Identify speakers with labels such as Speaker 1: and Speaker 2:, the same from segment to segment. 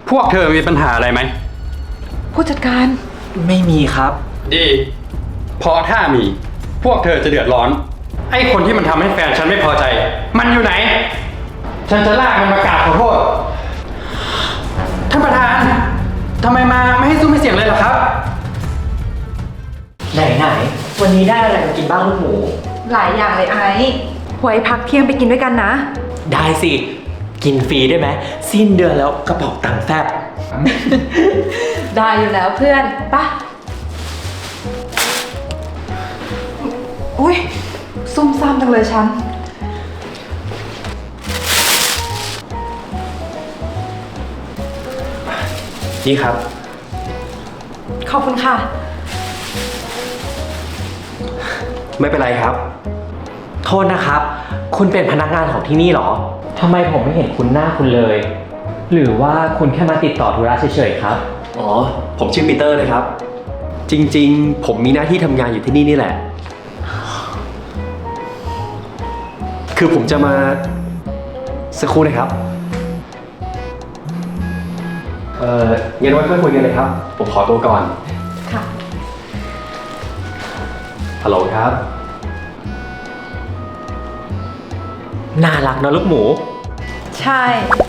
Speaker 1: พวกเธอมีปัญหาอะไรไหม
Speaker 2: ผู้จัดการ
Speaker 3: ไม่มีครับ
Speaker 1: ดีเพราะถ้ามีพวกเธอจะเดือดร้อนไอ้คนที่มันทำให้แฟนฉันไม่พอใจมันอยู่ไหนฉันจะลากมันมากราบขอโทษท่านประธานทำไมมาไม่ให้ซุ้มไม่เสียงเลยเหรอครับ
Speaker 3: ไหนวันนี้ได้อะไรมากินบ้างลูกหมู
Speaker 2: หลายอย่างเลยไอ้ไว้พักเที่ยงไปกินด้วยกันนะ
Speaker 3: ได้สิกินฟรีได้ไหมสิ้นเดือนแล้วกระเป๋าตังค์แฟบ
Speaker 2: ได้อยู่แล้วเพื่อนปะอุ้ยซุ่มซ่ามจังเลยฉัน
Speaker 3: นี่ครับ
Speaker 2: ขอบคุณค่ะ
Speaker 3: ไม่เป็นไรครับโทษนะครับคุณเป็นพนักงานของที่นี่เหรอทำไมผมไม่เห็นคุณหน้าคุณเลยหรือว่าคุณแค่มาติดต่อธุระเฉยๆครับอ๋อผมชื่อปีเตอร์เลยครับจริงๆผมมีหน้าที่ทำงานอยู่ที่นี่นี่แหละคือผมจะมาสักครู่นะครับงั้นไว้ค่อยคุยกันเลยครับผมขอตัวก่อน
Speaker 2: ค่ะ
Speaker 3: ฮัลโหลครับน่ารักนะลูกหมู
Speaker 2: ใช่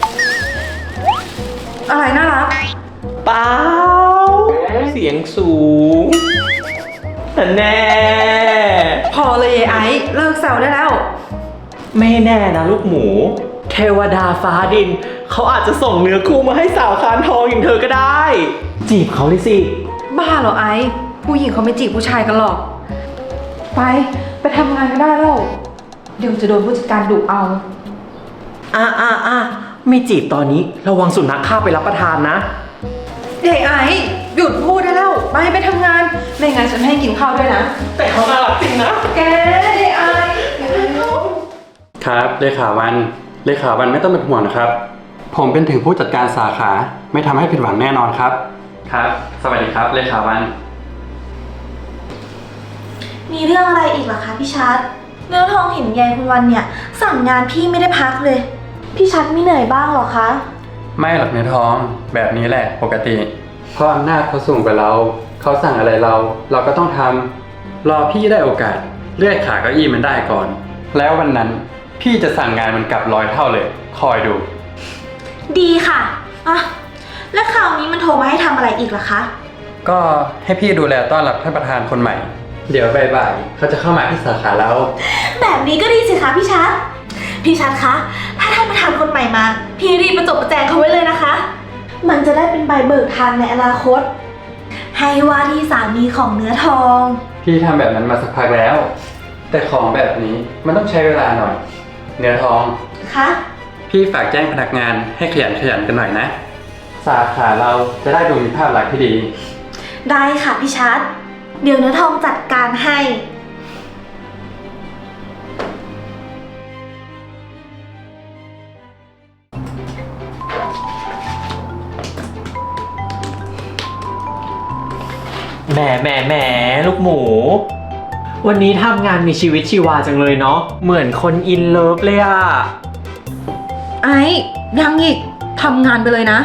Speaker 2: อะไรน่ารัก
Speaker 3: เปล่าเสียงสูงแน่
Speaker 2: พอเลยไอ้เลิกแซวได้แล้ว
Speaker 3: ไม่แน่นะลูกหมูเทวดาฟ้าดินเขาอาจจะส่งเนื้อคู่มาให้สาวคานทองอย่างเธอก็ได้จีบเขาเลยสิ
Speaker 2: บ้าเหรอไอ้ผู้หญิงเขาไม่จีบผู้ชายกันหรอกไปทำงานก็ได้แล้วเดี๋ยวจะโดนผู้จัดการดุเอา
Speaker 3: ไม่จีบตอนนี้ระวังสุนัขฆ่าไปรับประทานนะ
Speaker 2: เด็กไอ้หยุดพูดได้แล้วไปทำงานไม่งั้นฉันให้กินข้าวด้วยนะ
Speaker 3: แต่เขาน่ารักจริงนะ
Speaker 2: แกเด็กไอ้
Speaker 1: ครับเลขาวันไม่ต้องเป็นห่วงนะครับผมเป็นถึงผู้จัดการสาขาไม่ทำให้ผิดหวังแน่นอนครับครับสวัสดีครับเลขาวัน
Speaker 4: มีเรื่องอะไรอีกเหรอคะพี่ชัดเนื้อทองเห็นยายคุณวันเนี่ยสั่งงานพี่ไม่ได้พักเลยพี่ชัดไม่เหนื่อยบ้างหรอคะ
Speaker 1: ไม่หรอกเนื้อทองแบบนี้แหละปกติเพราะอำนาจเขาสูงกว่าเราเขาสั่งอะไรเราก็ต้องทำรอพี่ได้โอกาสเลื่อยขาเก้าอี้มันได้ก่อนแล้ววันนั้นพี่จะสั่งงานมันกลับ100 เท่าเลยคอยดู
Speaker 4: ดีค่ะแล้วคราวนี้มันโทรมาให้ทำอะไรอีกล่ะคะ
Speaker 1: ก็ให้พี่ดูแลต้อนรับท่านประธานคนใหม่เดี๋ยวบ่ายๆเขาจะเข้ามาที่สาขาแล้ว
Speaker 4: แบบนี้ก็ดีสิคะพี่ชัดคะถ้าท่านประธานคนใหม่มาพี่รีบประจบประแจงเขาไว้เลยนะคะมันจะได้เป็นใบเบิกทางในอนาคตให้ว่าที่สามีของเนื้อทอง
Speaker 1: พี่ทำแบบนั้นมาสักพักแล้วแต่ของแบบนี้มันต้องใช้เวลาหน่อยเนื้อทอง
Speaker 4: คะ
Speaker 1: พี่ฝากแจ้งพนักงานให้ขยันกันหน่อยนะสาขาเราจะได้ดูมีภาพลักษณ์ที่ดี
Speaker 4: ได้ค่ะพี่ชัดเดี๋ยวเนื้อทองจัดการให้
Speaker 3: แหมลูกหมูวันนี้ทำงานมีชีวิตชีวาจังเลยเนาะเหมือนคนอินเลิฟเลยอะ
Speaker 2: ยังอีกทำงานไปเลยนะ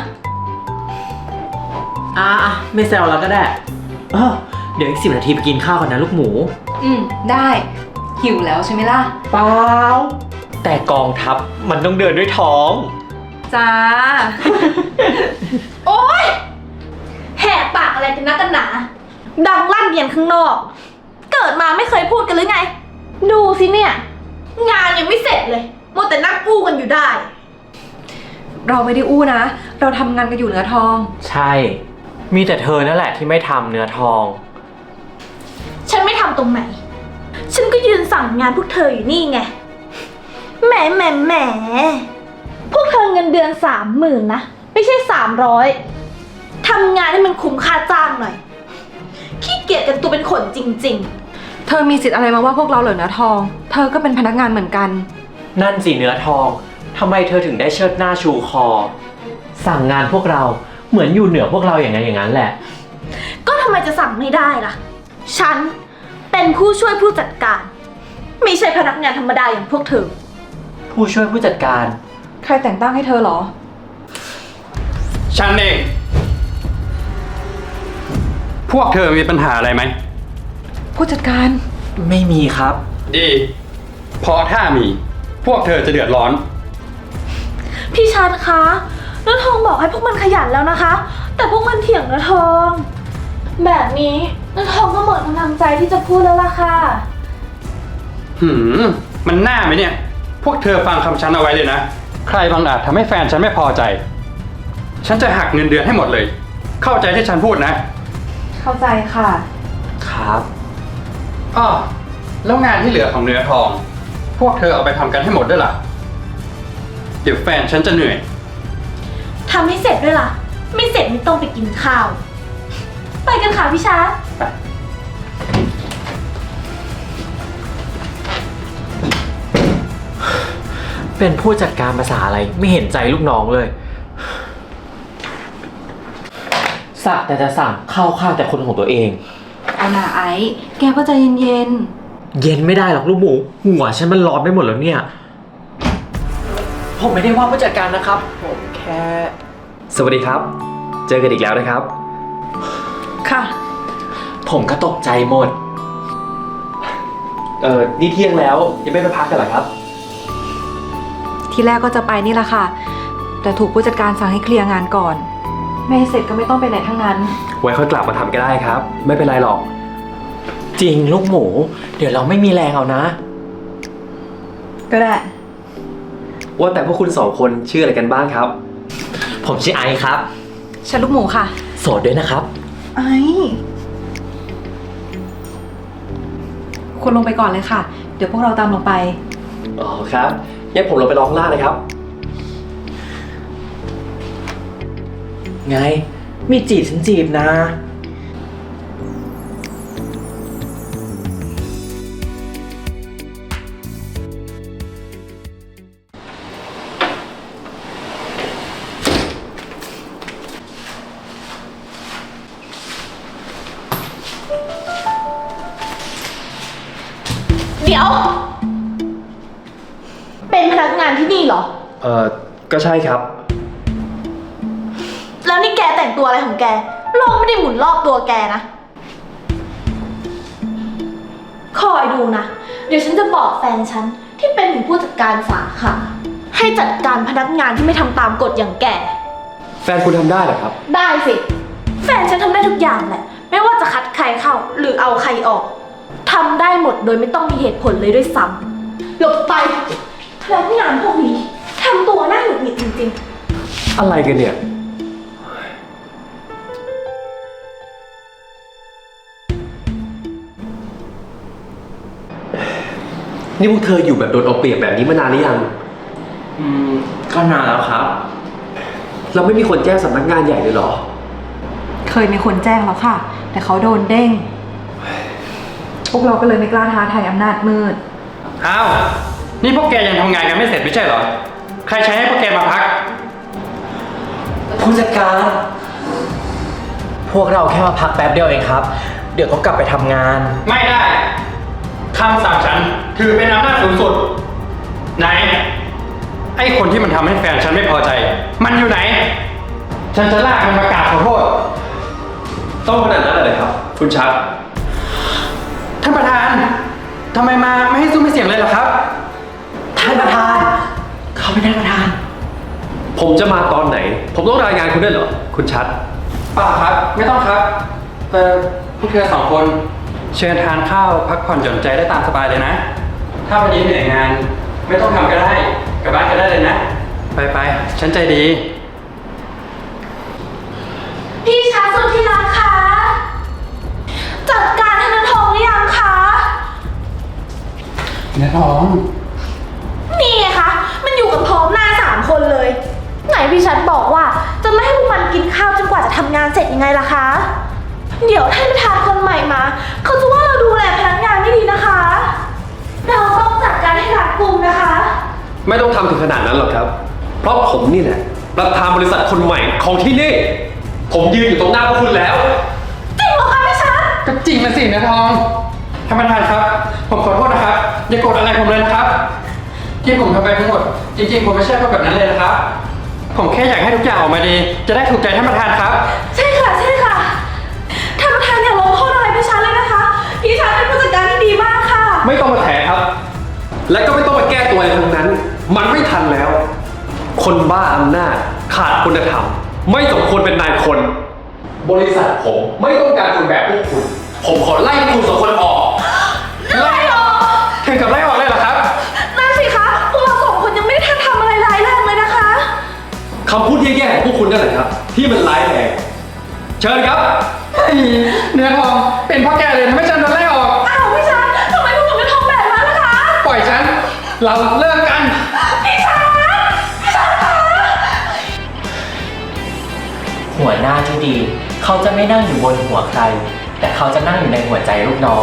Speaker 3: ไม่แซวแล้วก็ได้เดี๋ยวอีก10 นาทีไปกินข้าวกันนะลูกหมู
Speaker 2: ได้หิวแล้วใช่ไหมล่ะ
Speaker 3: เปล่าแต่กองทัพมันต้องเดินด้วยท้อง
Speaker 2: จ้า
Speaker 4: โอ๊ยแหกปากอะไรกันนักกันหนาดังลั่นเรียนข้างนอกเกิดมาไม่เคยพูดกันหรือไงดูสิเนี่ยงานยังไม่เสร็จเลยมัวแต่นั่งอู้กันอยู่ได้
Speaker 2: เราไม่ได้อู้นะเราทำงานกันอยู่เนื้อทอง
Speaker 3: ใช่มีแต่เธอนั่นแหละที่ไม่ทำเนื้อทอง
Speaker 4: ฉันไม่ทำตรงไหนฉันก็ยืนสั่งงานพวกเธออยู่นี่ไงแหมพวกเธอเงินเดือน30,000นะไม่ใช่300ทำงานให้มันคุ้มค่าจ้างหน่อยขี้เกียจกันตัวเป็นขนจริง
Speaker 2: ๆเธอมีสิทธิ์อะไรมาว่าพวกเราเหรอเนื้อทองเธอก็เป็นพนักงานเหมือนกัน
Speaker 3: นั่นสิเนื้อทองทำไมเธอถึงได้เชิดหน้าชูคอสั่งงานพวกเราเหมือนอยู่เหนือพวกเราอย่างนั้นแหละ
Speaker 4: ก็ทำไมจะสั่งไม่ได้ล่ะฉันเป็นผู้ช่วยผู้จัดการไม่ใช่พนักงานธรรมดาอย่างพวกเธอ
Speaker 3: ผู้ช่วยผู้จัดการ
Speaker 2: ใครแต่งตั้งให้เธอเหรอ
Speaker 1: ฉันเอง พวกเธอมีปัญหาอะไรไหม
Speaker 2: ผู้จัดการ
Speaker 3: ไม่มีครับ
Speaker 1: ดีเพราะถ้ามี พวกเธอจะเดือดร้อน
Speaker 4: พี่ชัดคะเนื้อทองบอกให้พวกมันขยันแล้วนะคะ แต่พวกมันเถียงเนื้อทอง แบบนี้เนื้อทองก็หมดกำลังใจที่จะพูดแล้วล่ะค่ะ
Speaker 1: มันน่าไหมเนี่ย พวกเธอฟังคำฉันเอาไว้เลยนะ ใครบางอาจทำให้แฟนฉันไม่พอใจ ฉันจะหักเงินเดือนให้หมดเลย เข้าใจที่ฉันพูดนะ
Speaker 2: เข้าใจค่ะ
Speaker 3: ครับ
Speaker 1: อ้อแล้วงานที่เหลือของเนื้อทอง พวกเธอเอาไปทำกันให้หมดด้วยล่ะ เดี๋ยวแฟนฉันจะเหนื่อย
Speaker 4: ทำให้เสร็จด้วยล่ะ ไม่เสร็จไม่ต้องไปกินข้าว ไปกันค่ะพี่ชัด
Speaker 3: เป็นผู้จัดการภาษาอะไรไม่เห็นใจลูกน้องเลย สักแต่จะสั่งเข้าข้างแต่คนของตัวเอง
Speaker 2: เอาหน่าไอ้ แกก็ใจเย็น
Speaker 3: เย็นไม่ได้หรอกลูกหมู หัวฉันมันร้อนไปหมดแล้วเนี่ย ผมไม่ได้ว่าผู้จัดการนะครับ ผมแค่ สวัสดีครับ เจอกันอีกแล้วนะครับ
Speaker 2: ๆ ค่ะ
Speaker 3: ผมก็ตกใจหมด นี่เที่ยงแล้วยังไม่ไปพักกันเหรอครับ
Speaker 2: ทีแรกก็จะไปนี่แหละค่ะ แต่ถูกผู้จัดการสั่งให้เคลียร์งานก่อน ไม่ให้เสร็จก็ไม่ต้องไปไหนทั้งนั้น
Speaker 3: ไว้ค่อยกลับมาทำก็ได้ครับ ไม่เป็นไรหรอก จริงลูกหมู เดี๋ยวเราไม่มีแรงเอานะ
Speaker 2: ก็ได้
Speaker 3: ว่าแต่พวกคุณสองคนชื่ออะไรกันบ้างครับ ผมชื่อไอซ์ครับ
Speaker 2: ฉันลูกหมูค่ะ
Speaker 3: โสดด้วยนะครับ
Speaker 2: ไอ้คุณลงไปก่อนเลยค่ะ เดี๋ยวพวกเราตามลงไป
Speaker 3: อ๋อครับงั้นผมลงไปร้องล่างเลยครับ ไง มีจีบฉันจีบนะ
Speaker 4: เดี๋ยว เป็นพนักงานที่นี่เหรอ
Speaker 3: ก็ใช่ครับ
Speaker 4: แล้วนี่แกแต่งตัวอะไรของแก โลกไม่ได้หมุนรอบตัวแกนะ คอยดูนะ เดี๋ยวฉันจะบอกแฟนฉันที่เป็นถึงผู้จัดการสาขา ให้จัดการพนักงานที่ไม่ทำตามกฎอย่างแก
Speaker 3: แฟนคุณทำได้เหรอครับ
Speaker 4: ได้สิ แฟนฉันทำได้ทุกอย่างแหละ ไม่ว่าจะคัดใครเข้าหรือเอาใครออก ทำได้หมดโดยไม่ต้องมีเหตุผลเลยด้วยซ้ำหลบไปพนักงานพวกนี้ทำตัวน่าหงุดหงิดจริงๆ
Speaker 3: อะไรกันเนี่ย นี่พวกเธออยู่แบบโดนเอาเปรียบแบบนี้มานานหรือยัง ก็นานแล้วครับ เราไม่มีคนแจ้งสำนักงานใหญ่เลยเหรอ
Speaker 2: เคยมีคนแจ้งแล้วค่ะ แต่เขาโดนเด้ง พวกเราก็เลยไม่กล้าท้าทายอำนาจมืด
Speaker 1: อ้าว นี่พวกแกยังทำงานกันไม่เสร็จไม่ใช่เหรอ ใครใช้ให้พวกแกมาพัก
Speaker 3: ผู้จัดการ พวกเราแค่มาพักแป๊บเดียวเองครับ เดี๋ยวก็กลับไปทำงาน
Speaker 1: ไม่ได้ คำสั่งฉันถือเป็นอำนาจสูงสุด ไหน ไอ้คนที่มันทำให้แฟนฉันไม่พอใจ มันอยู่ไหน ฉันจะลากมันมากราบขอโทษ
Speaker 3: ต้องขนาดนั้นเลยครับ คุณชัด
Speaker 1: ท่านประธาน ทำไมมาไม่ให้ซุ้มให้เสียงเลยเหรอครับ
Speaker 3: ท่านประธาน เขาเป็นท่านประธาน ผมจะมาตอนไหน ผมต้องรายงานคุณด้วยเหรอ คุณชัด
Speaker 1: ป่าครับ ไม่ต้องครับพวกเธอสองคน เชิญทานข้าวพักผ่อนหย่อนใจได้ตามสบายเลยนะ ถ้าวันนี้เหนื่อยงาน ไม่ต้องทำก็ได้กลับบ้านก็ได้เลยนะ ไปๆฉันใจดี
Speaker 4: พี่ชัดสุดที่รักคะ จัดการธนาทองหรือยังคะ
Speaker 1: เนื้อทอง
Speaker 4: นี่ไงคะ มันอยู่กับพร้อมหน้า3 คนเลย ไหนพี่ชัดบอกว่าจะไม่ให้พวกมันกินข้าวจนกว่าจะทำงานเสร็จยังไงล่ะคะ เดี๋ยวท่านประธานคนใหม่มา เขาจะว่าเราดูแลพนักงานไม่ดีนะคะ เราต้องจัดการให้รัดกุมนะคะ
Speaker 3: ไม่ต้องทำถึงขนาดนั้นหรอกครับ เพราะผมนี่แหละประธานบริษัทคนใหม่ของที่นี่ ผมยืนอยู่ตรงหน้าพวกคุณแล้ว
Speaker 4: จริงเหรอคะพี่ชัด
Speaker 1: ก็จริงนะสิเนื้อทองท่านประธานครับ ผมขอโทษนะครับ อย่าโกรธอะไรผมเลยนะครับ ที่ผมทำไปทั้งหมด จริงๆ ผมไม่ใช่คนแบบนั้นเลยนะครับผมแค่อยากให้ทุกอย่างออกมาดี จะได้ถูกใจท่านประธานครับ
Speaker 4: ใช่ค่ะ ใช่ค่ะ ท่านประธานอย่าลงโทษอะไรพี่ชันเลยนะคะ พี่ชันเป็นผู้จัดการที่ดีมากค่ะ
Speaker 5: ไม่ต้องมาแถครับ และก็ไม่ต้องมาแก้ตัวอะไรทั้งนั้น มันไม่ทันแล้ว คนบ้าอำนาจขาดคุณธรรม ไม่สมควรเป็นนายคน บริษัทผมไม่ต้องการคนแบบพวกคุณ ผมขอไล่พวกคุณสองคนออก
Speaker 4: ไล่ออก
Speaker 1: ถึงกับไล่ออกเลยเหรอครับ
Speaker 4: นั่นสิคะ พวกเราสองคนยังไม่ได้ทันทำอะไรร้ายแรงเลยนะคะ
Speaker 5: คำพูดแย่ๆของพวกคุณนั่นแหละครับ ที่มันร้ายแรงเชิญครับ
Speaker 1: เนื้อทอง เป็นเพราะแกเลยทำให้ฉันโดนไล่ออก
Speaker 4: อ้าวพี่ชันทำไมพวกหนูจะทำแบบนั้นล่ะคะ
Speaker 1: ปล่อยฉัน เราเลิกกัน
Speaker 4: พี่ชันคะ
Speaker 3: หัวหน้าที่ดี เขาจะไม่นั่งอยู่บนหัวใคร แต่เขาจะนั่งอยู่ในหัวใจลูกน้อง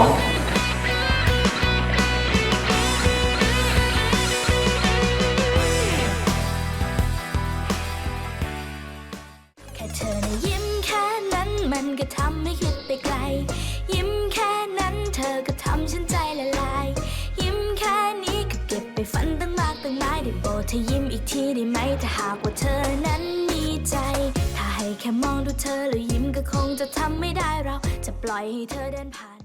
Speaker 6: แค่เธอนะยิ้มแค่นั้นมันก็ทำให้คิดไปไกล ยิ้มแค่นั้นเธอก็ทำฉันใจละลาย ยิ้มแค่นี้ก็เก็บไปฝันตั้งมากตั้งหลายได้โปรดเธอยิ้มอีกทีได้ไหมถ้าหากว่าเธอนั้นมีใจ ถ้าให้แค่มองดูเธอแล้วยิ้มก็คงจะทำไม่ได้เราจะปล่อยให้เธอเดินผ่าน